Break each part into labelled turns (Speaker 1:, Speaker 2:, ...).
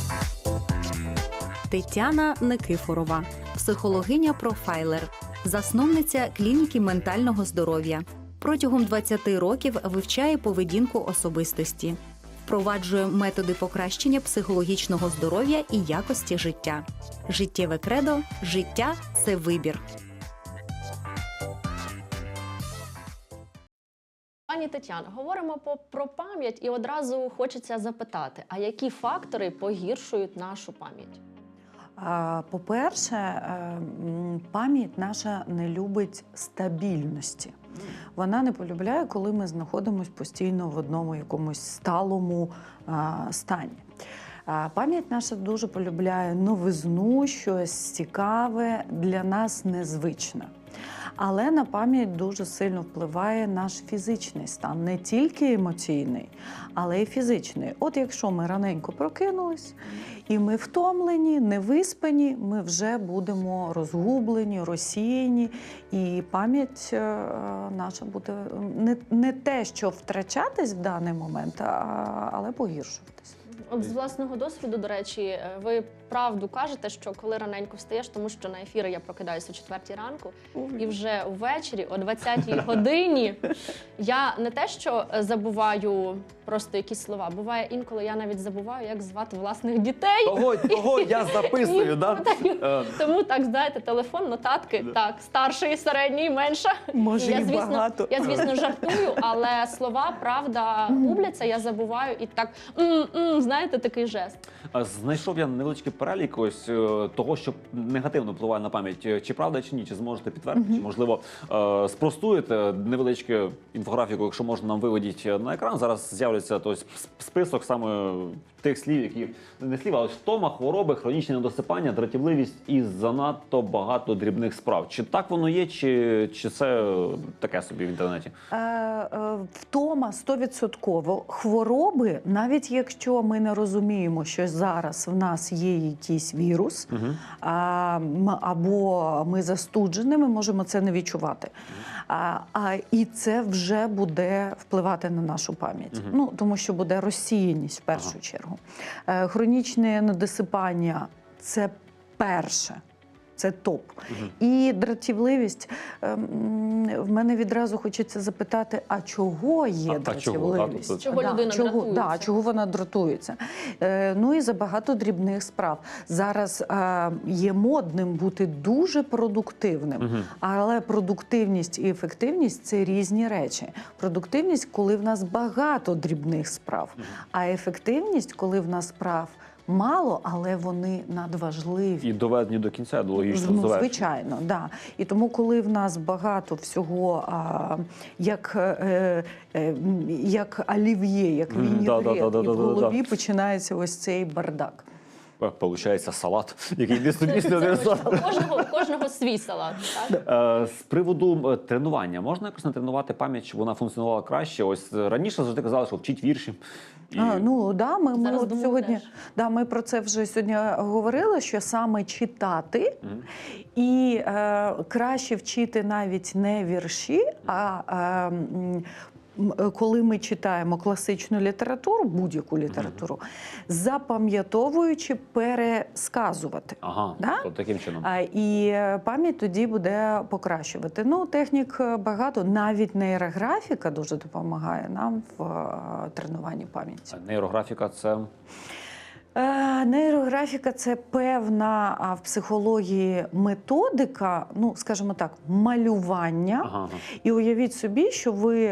Speaker 1: Тетяна Никифорова, психологиня-профайлер, засновниця клініки ментального здоров'я. Протягом 20 років вивчає поведінку особистості. Впроваджує методи покращення психологічного здоров'я і якості життя. Життєве кредо – життя – це вибір.
Speaker 2: Пані Тетяно, говоримо про пам'ять і одразу хочеться запитати, а які фактори погіршують нашу пам'ять?
Speaker 3: По-перше, пам'ять наша не любить стабільності. Вона не полюбляє, коли ми знаходимося постійно в одному якомусь сталому стані. Пам'ять наша дуже полюбляє новизну, щось цікаве, для нас незвичне. Але на пам'ять дуже сильно впливає наш фізичний стан, не тільки емоційний, але й фізичний. От якщо ми раненько прокинулись, і ми втомлені, невиспані, ми вже будемо розгублені, розсіяні, і пам'ять наша буде не те, що втрачатись в даний момент, але погіршуватись.
Speaker 2: От з власного досвіду, до речі, ви правду кажете, що коли раненько встаєш, тому що на ефіри я прокидаюся о 4-й ранку, і вже ввечері о 20-й годині я не те, що забуваю просто якісь слова, буває інколи я навіть забуваю, як звати власних дітей.
Speaker 4: Того я записую, да?
Speaker 2: Тому так, знаєте, телефон, нотатки, так, старший, середній, менша.
Speaker 3: Може,
Speaker 2: я,
Speaker 3: і багато.
Speaker 2: Я, звісно, жартую, але слова, правда, губляться, я забуваю і так, знаєте, такий жест.
Speaker 4: Знайшов я невеличкий перелік ось того, що негативно впливає на пам'ять. Чи правда, чи ні? Чи зможете підтвердити? Чи, можливо, спростуєте невеличку інфографіку, якщо можна, нам виведіть на екран. Зараз з'являється список саме тих слів, які не слів, а ось втома, хвороби, хронічне недосипання, дратівливість і занадто багато дрібних справ. Чи так воно є, чи це таке собі в інтернеті?
Speaker 3: Втома 100%. Хвороби, навіть якщо ми не розуміємо, що зараз в нас є якийсь вірус, або ми застуджені, ми можемо це не відчувати. І це вже буде впливати на нашу пам'ять. Ну, тому що буде розсіяність в першу чергу. Хронічне недосипання – це перше. Це топ. І дратівливість. В мене відразу хочеться запитати, а чого є дратівливість?
Speaker 2: Чого людина дратується?
Speaker 3: Чого вона дратується? Ну і забагато дрібних справ. Зараз є модним бути дуже продуктивним. Але продуктивність і ефективність – це різні речі. Продуктивність, коли в нас багато дрібних справ. А ефективність, коли в нас справ мало, але вони надважливі.
Speaker 4: І доведені до кінця, до логічного завершення.
Speaker 3: Звичайно, да. І тому, коли в нас багато всього, як олів'є, як вінігрет, і в голові починається ось цей бардак.
Speaker 4: Получається салат, який не собі не
Speaker 2: У кожного свій салат. Так?
Speaker 4: З приводу тренування. Можна якось натренувати пам'ять, щоб вона функціонувала краще? Ось раніше завжди казали, що вчіть вірші.
Speaker 3: Ну, да, ми от сьогодні,
Speaker 2: теж.
Speaker 3: да, ми про це вже сьогодні говорили, що саме читати і краще вчити навіть не вірші, а коли ми читаємо класичну літературу, будь-яку літературу, запам'ятовуючи, пересказувати.
Speaker 4: Ага,
Speaker 3: да?
Speaker 4: то таким чином.
Speaker 3: І пам'ять тоді буде покращувати. Ну, технік багато, навіть нейрографіка дуже допомагає нам в тренуванні пам'яті.
Speaker 4: Нейрографіка – це?
Speaker 3: Нейрографіка – це певна в психології методика, ну, скажімо так, малювання. І уявіть собі, що ви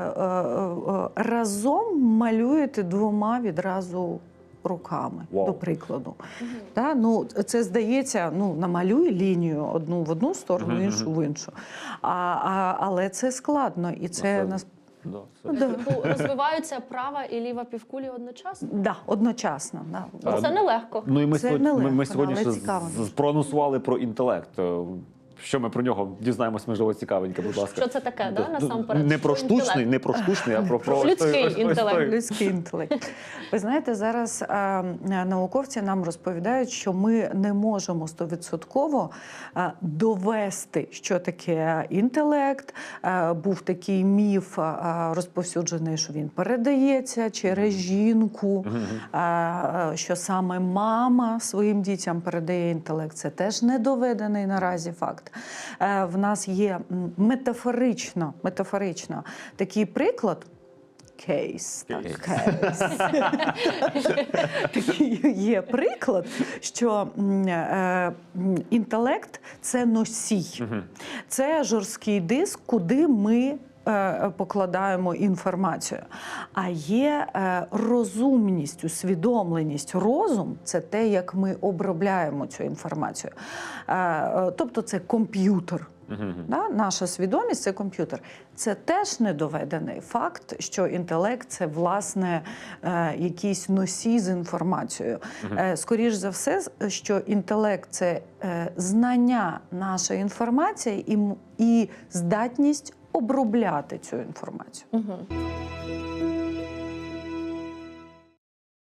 Speaker 3: разом малюєте двома відразу руками, до прикладу. Да? Ну, це здається, ну, намалюй лінію одну в одну сторону, іншу в іншу. Але це складно, і це
Speaker 2: Розвиваються права і ліва півкулі одночасно?
Speaker 3: Да, одночасно. Да.
Speaker 2: Це нелегко.
Speaker 4: Ну і ми
Speaker 3: Це
Speaker 4: сьогодні,
Speaker 3: нелегко,
Speaker 4: ми сьогодні
Speaker 3: але
Speaker 4: ще
Speaker 3: цікаво.
Speaker 4: проанонсували про інтелект. що ми про нього дізнаємось, можливо, цікавеньке, будь ласка.
Speaker 2: Що це таке, да, насамперед?
Speaker 4: Не про
Speaker 2: Що
Speaker 4: штучний,
Speaker 2: інтелект?
Speaker 4: не про штучний, а про
Speaker 2: Людський інтелект.
Speaker 3: Людський інтелект. Ви знаєте, зараз науковці нам розповідають, що ми не можемо 100% довести, що таке інтелект. Був такий міф розповсюджений, що він передається через жінку, що саме мама своїм дітям передає інтелект. Це теж не доведений наразі факт. В нас є метафорично такий приклад. Кейс. Такий є приклад, що інтелект – це носій. Це жорсткий диск, куди ми покладаємо інформацію. А є розумність, усвідомленість, розум – це те, як ми обробляємо цю інформацію. Тобто це комп'ютер. Да? Наша свідомість – це комп'ютер. Це теж недоведений факт, що інтелект – це, власне, якийсь носій з інформацією. Скоріш за все, що інтелект – це знання нашої інформації і здатність обробляти цю інформацію.